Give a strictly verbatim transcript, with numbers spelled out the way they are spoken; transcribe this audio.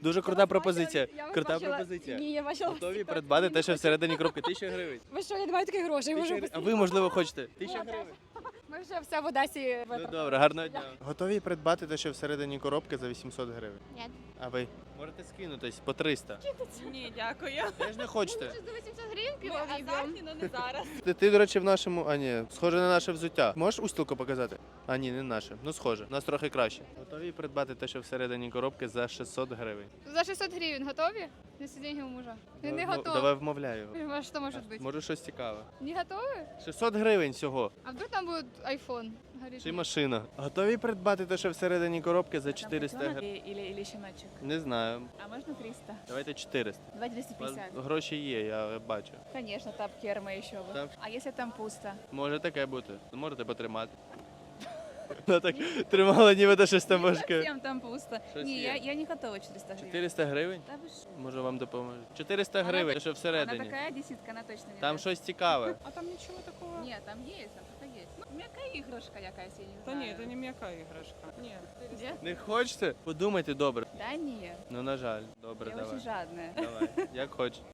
Дуже крута пропозиція. Крута пропозиція. Ні, я бачила. Готові придбати те, що всередині коробки. Тисяча гривень. Ви що, я не маю таких грошей, Тисяча можу гривень. А ви, можливо, хочете? Тисяча Ну, гривень. Ми вже все в Одесі Ну витратили. добре, гарного дня. Готові придбати те, що всередині коробки за вісімсот гривень? Ні. А ви? Можете скинутись по триста. Ні, дякую. Теж не хочете? За вісімсот гривень Ми пиво азартні, але не зараз. Ти, ти, до речі, в нашому, а ні, схоже на наше взуття. Можеш устілку показати? А ні, не наше. Ну схоже, у нас трохи краще. Готові придбати те, що всередині коробки за шістсот гривень. За шістсот гривень готові? На сидіння у мужа. Він не Давай, готовий. Давай вмовляю його. А що може бути? Може щось цікаве. Не готові? шістсот гривень всього. А вдруг там буде айфон? Чи машина. Готові придбати те, що всередині коробки за чотириста гривень? Или, или щеночек. Не знаю. А можна триста? Давайте чотириста. Давай двести У вас пятьдесят. гроші є, я бачу. Конечно, тапки Эрма еще бы. Так. А если там пусто? Може таке бути. Можете потримати. Вона так тримала, ніби до щось там важке. Совсем там пусто. Щось Не, є. я, я не готова четыреста гривен. чотириста гривень? Да вы что? Може вам допоможе. чотириста Вона гривень, так- те, що Она всередині. такая десятка, она точно не Там даст. щось цікаве. А там нічого такого? Нет, там есть, там что-то есть. Ну, мягкая игрушка якась, я не Та знаю. ні, це не м'яка іграшка. Ні. Где? Не хочете? Подумайте добре. Да нет. Ну, на жаль. Добре, Я давай. очень жадная. Давай, як хочеш.